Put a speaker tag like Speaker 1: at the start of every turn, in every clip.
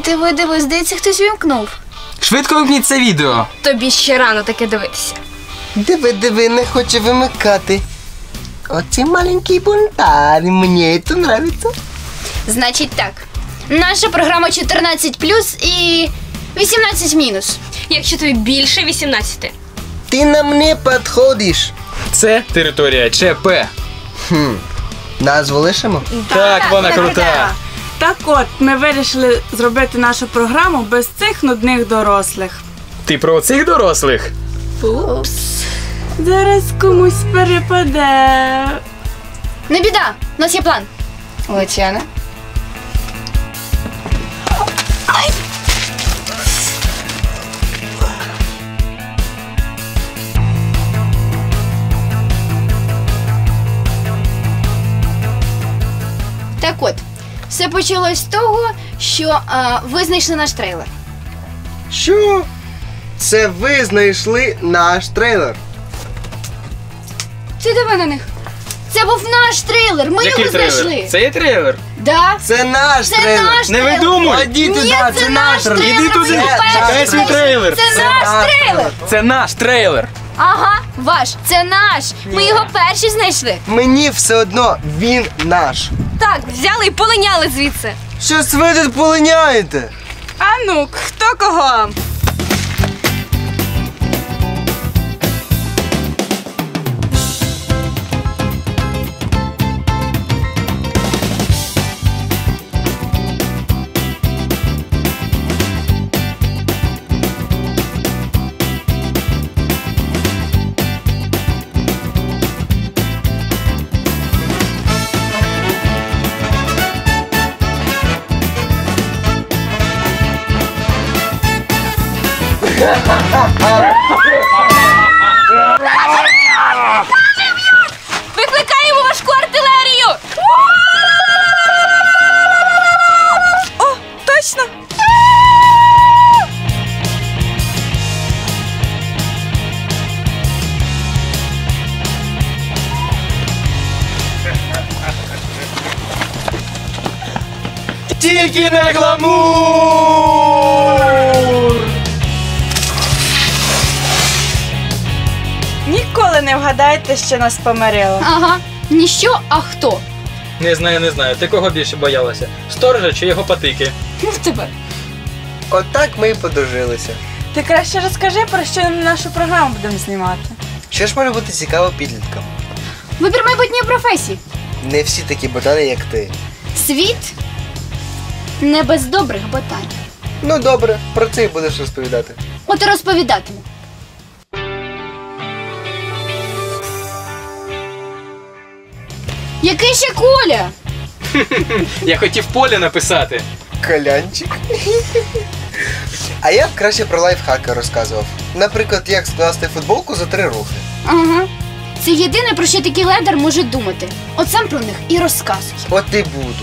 Speaker 1: Диви, здається, хтось вімкнув.
Speaker 2: Швидко вимкніть це відео.
Speaker 3: Тобі ще рано таке дивитися.
Speaker 4: Диви, не хоче вимикати. Оце маленький бунтар, мені це нравиться.
Speaker 1: Значить так, наша програма 14+, і 18-.
Speaker 3: Якщо тобі більше 18.
Speaker 4: Ти нам не підходиш.
Speaker 2: Це територія ЧП.
Speaker 4: Назву лишимо?
Speaker 2: Так, вона крута.
Speaker 5: Так от, ми вирішили зробити нашу програму без цих нудних дорослих.
Speaker 2: Ти про цих дорослих?
Speaker 1: Упс.
Speaker 5: Зараз комусь перепаде.
Speaker 1: Не біда, у нас є план. Лучана. Так от, все почалось з того, що ви знайшли наш трейлер.
Speaker 4: Що? Це ви знайшли наш трейлер.
Speaker 1: Ти диви на них. Це був наш трейлер, ми його знайшли.
Speaker 2: Це є трейлер.
Speaker 1: Да.
Speaker 4: Це наш
Speaker 1: Це
Speaker 4: трейлер.
Speaker 1: наш
Speaker 2: Не
Speaker 1: трейлер.
Speaker 2: видумуй.
Speaker 4: Іди туди,
Speaker 1: Ні,
Speaker 4: це наш трейлер.
Speaker 2: Іди туди.
Speaker 1: Ми його
Speaker 2: Чекай
Speaker 1: перші
Speaker 2: свій
Speaker 1: знайшли.
Speaker 2: трейлер.
Speaker 1: Це наш трейлер.
Speaker 2: Це наш трейлер.
Speaker 1: Ага, ваш, це наш. Ми його перші знайшли.
Speaker 4: Мені все одно, він наш.
Speaker 3: Так, взяли і полиняли звідси.
Speaker 4: Щось ви тут полиняєте?
Speaker 5: А ну, хто кого?
Speaker 3: Викликаємо важку артилерію!
Speaker 5: О, точно!
Speaker 2: Тільки не гламур!
Speaker 5: Ніколи не вгадаєте, що нас помирило.
Speaker 1: Ага, ніщо, а хто?
Speaker 2: Не знаю. Ти кого більше боялася? Сторожа чи його патики?
Speaker 1: Ну тебе.
Speaker 4: Отак ми і подружилися.
Speaker 5: Ти краще розкажи, про що нашу програму будемо знімати.
Speaker 4: Що ж може бути цікаво підліткам?
Speaker 1: Вибір майбутньої професії.
Speaker 4: Не всі такі ботани, як ти.
Speaker 1: Світ не без добрих ботанів.
Speaker 4: Ну добре, про це і будеш розповідати.
Speaker 1: От і розповідатиму. Який ще Коля?
Speaker 2: Я хотів Поля написати.
Speaker 4: Колянчик. А я б краще про лайфхаки розказував. Наприклад, як скласти футболку за 3 рухи.
Speaker 1: Ага. Це єдине, про що такий ледер може думати. От сам про них і розказуй.
Speaker 4: От і буду.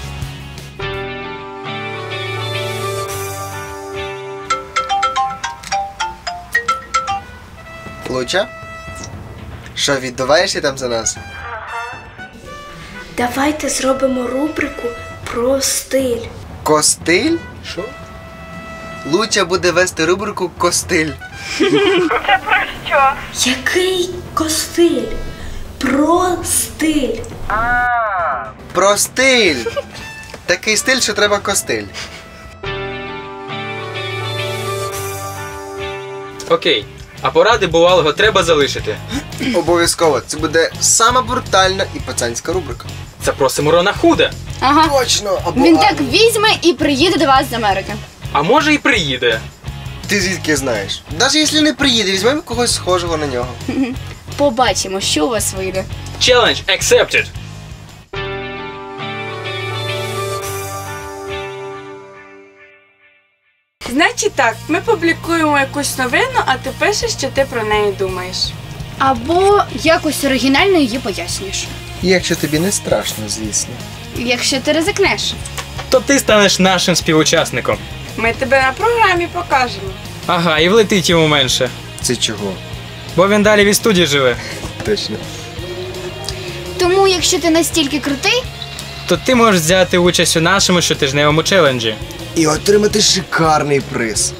Speaker 4: Луча? Що, віддуваєшся там за нас?
Speaker 6: Давайте зробимо рубрику про стиль.
Speaker 4: Костиль? Що? Луча буде вести рубрику Костиль.
Speaker 6: Який костиль? Про стиль.
Speaker 4: Про стиль! Такий стиль, що треба костиль.
Speaker 2: Окей. А поради бувалого треба залишити.
Speaker 4: Обов'язково. Це буде сама брутальна і пацанська рубрика.
Speaker 2: Запросимо Рона Худа.
Speaker 1: Ага.
Speaker 4: Точно! Або
Speaker 1: Він
Speaker 4: Арні.
Speaker 1: так візьме і приїде до вас з Америки.
Speaker 2: А може і приїде.
Speaker 4: Ти звідки знаєш? Навіть якщо не приїде, візьмемо когось схожого на нього.
Speaker 1: Побачимо, що у вас вийде.
Speaker 2: Challenge accepted.
Speaker 5: Значить так, ми публікуємо якусь новину, а ти пишеш, що ти про неї думаєш.
Speaker 1: Або якось оригінально її пояснюєш.
Speaker 4: Якщо тобі не страшно, звісно.
Speaker 1: Якщо ти ризикнеш.
Speaker 2: То ти станеш нашим співучасником.
Speaker 5: Ми тебе на програмі покажемо.
Speaker 2: Ага, і влетить йому менше.
Speaker 4: Це чого?
Speaker 2: Бо він далі від студії живе.
Speaker 4: Точно.
Speaker 1: Тому, якщо ти настільки крутий,
Speaker 2: То ти можеш взяти участь у нашому щотижневому челенджі.
Speaker 4: і отримати шикарний приз.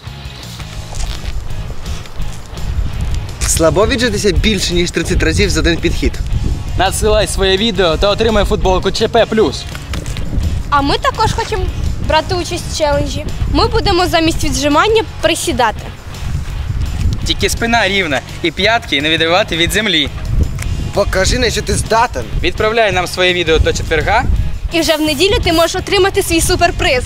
Speaker 4: Слабо віджитися більше, ніж 30 разів за один підхід.
Speaker 2: Надсилай своє відео та отримай футболку ЧП+.
Speaker 3: А ми також хочемо брати участь в челенджі. Ми будемо замість віджимання присідати.
Speaker 2: Тільки спина рівна і п'ятки не відривати від землі.
Speaker 4: Покажи, на що ти здатен.
Speaker 2: Відправляй нам своє відео до четверга.
Speaker 3: І вже в неділю ти можеш отримати свій суперприз.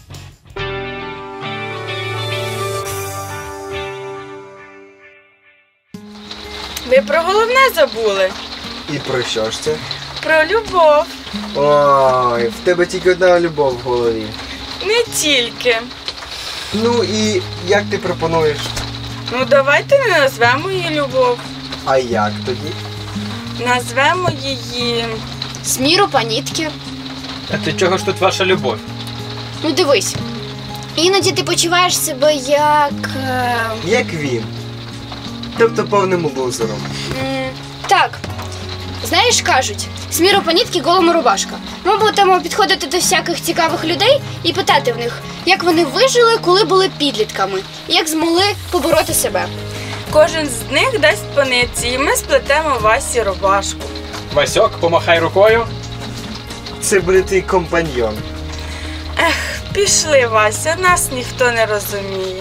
Speaker 5: Ви про головне забули.
Speaker 4: І про що ж це?
Speaker 5: Про любов.
Speaker 4: Ой, в тебе тільки одна любов в голові.
Speaker 5: Не тільки.
Speaker 4: Ну і як ти пропонуєш?
Speaker 5: Ну давайте не назвемо її любов.
Speaker 4: А як тоді?
Speaker 5: Назвемо її.
Speaker 1: Сміру панітки.
Speaker 2: А ти чого ж тут ваша любов?
Speaker 1: Ну дивись. Іноді ти почуваєш себе як.
Speaker 4: Як він. Тобто повним лузером.
Speaker 1: Так. Знаєш, кажуть, сміру панітки голому рубашка. Ми будемо підходити до всяких цікавих людей і питати в них, як вони вижили, коли були підлітками, і як змогли побороти себе.
Speaker 5: Кожен з них дасть по нитці, і ми сплетемо Васі рубашку.
Speaker 2: Васьок, помахай рукою.
Speaker 4: Це буде твій компаньйон.
Speaker 5: Пішли, Вася, нас ніхто не розуміє.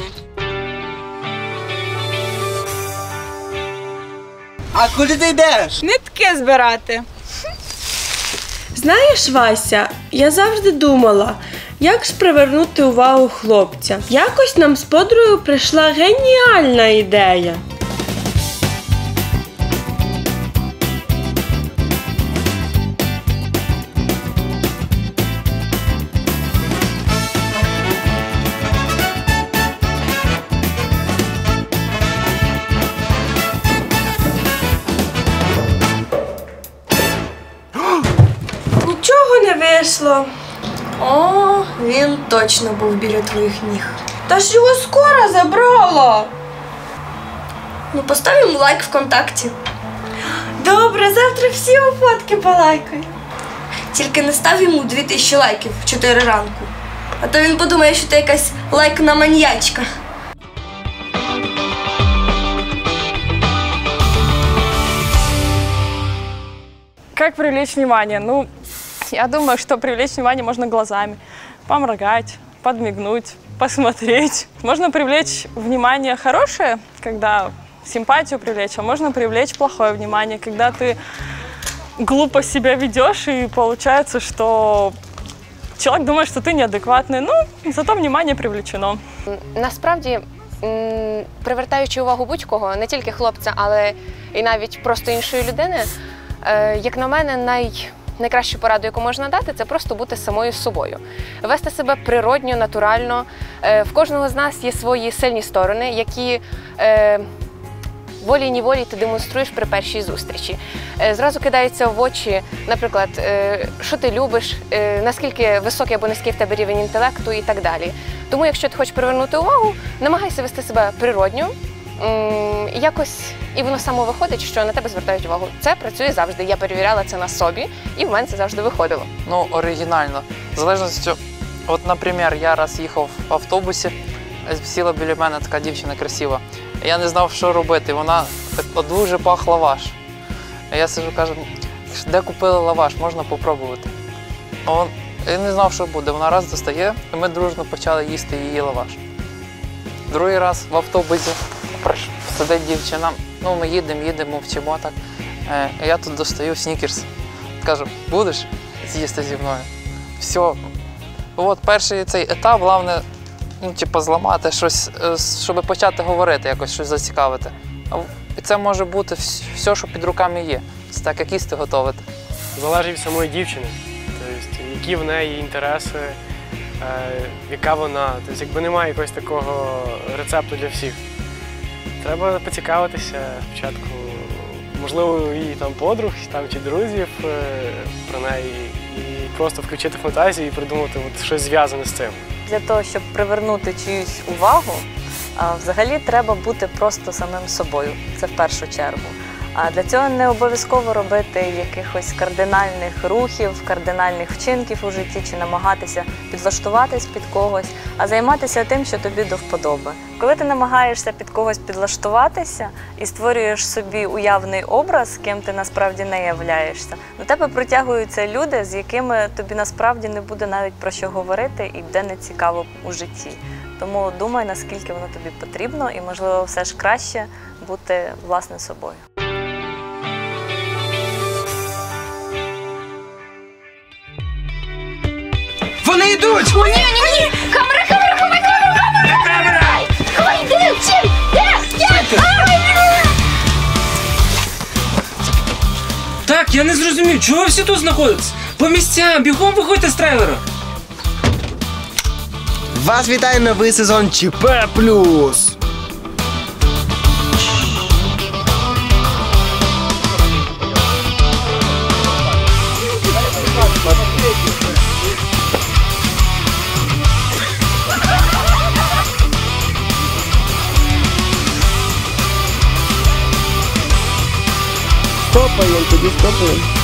Speaker 4: А куди ти йдеш?
Speaker 5: Нитки збирати. Знаєш, Вася, я завжди думала, як ж привернути увагу хлопця. Якось нам з подругою прийшла геніальна ідея. Нічого не вийшло.
Speaker 6: О, він точно був біля твоїх ніг.
Speaker 5: Та ж його скоро забрала.
Speaker 6: Ну, постав йому лайк ВКонтакті.
Speaker 5: Добре, завтра всі його фотки полайкаю.
Speaker 6: Тільки не став йому 2000 лайків в 4 ранку. А то він подумає, що ти якась лайкна маньячка.
Speaker 7: Как привлечь внимание? Ну, я думаю, что привлечь внимание можно глазами. Поморгать, подмигнуть, посмотреть. Можно привлечь внимание хорошее, когда симпатию привлечь, а можно привлечь плохое внимание, когда ты глупо себя ведешь, и получается, что человек думает, что ты неадекватный. Ну, зато внимание привлечено.
Speaker 8: Насправді, привертаючи увагу будь-кого, не тільки хлопця, але і навіть просто іншої людини, як на мене, найкращу пораду, яку можна дати, це просто бути самою собою. Вести себе природньо, натурально. В кожного з нас є свої сильні сторони, які волі-ніволі ти демонструєш при першій зустрічі. Зразу кидається в очі, наприклад, що ти любиш, наскільки високий або низький в тебе рівень інтелекту і так далі. Тому, якщо ти хочеш привернути увагу, намагайся вести себе природньо, якось, і воно само виходить, що на тебе звертають увагу. Це працює завжди. Я перевіряла це на собі, і в мене це завжди виходило.
Speaker 9: Ну, оригінально. В залежності, от, наприклад, я раз їхав в автобусі, сіла біля мене така дівчина красива. Я не знав, що робити. Вона так дуже пах лаваш. Я сиджу, кажу, де купили лаваш, можна попробувати. Я не знав, що буде. Вона раз достає, і ми дружно почали їсти її лаваш. Другий раз в автобусі сидить дівчина, ну ми їдемо, вчимо так. Я тут достаю снікерс. Кажу, будеш з'їсти зі мною? Все. От перший цей етап, головне, зламати щось, щоб почати говорити, якось щось зацікавити. І це може бути все, що під руками є. Це так, як їсти готувати.
Speaker 10: Залежить від самої дівчини, тобто, які в неї інтереси, яка вона. Тобто, якби немає якогось такого рецепту для всіх. Треба поцікавитися спочатку, можливо, і там подруг, чи друзів про неї, і просто включити фантазію і придумати щось зв'язане з цим.
Speaker 11: Для того, щоб привернути чиюсь увагу, взагалі треба бути просто самим собою, це в першу чергу. А для цього не обов'язково робити якихось кардинальних рухів, кардинальних вчинків у житті чи намагатися підлаштуватись під когось, а займатися тим, що тобі до вподоби. Коли ти намагаєшся під когось підлаштуватися і створюєш собі уявний образ, ким ти насправді не являєшся, до тебе притягуються люди, з якими тобі насправді не буде навіть про що говорити і буде нецікаво у житті. Тому думай, наскільки воно тобі потрібно, і, можливо, все ж краще бути власне собою.
Speaker 2: Вони йдуть!
Speaker 1: О, ні! Камера! Ховай, де? Чим? Де?
Speaker 12: Так, я не зрозумів, чого ви всі тут знаходитесь? По місцям, бігом виходьте з трейлера.
Speaker 4: Вас вітає новий сезон ЧП+. Стопаємо, тоді стопаємо.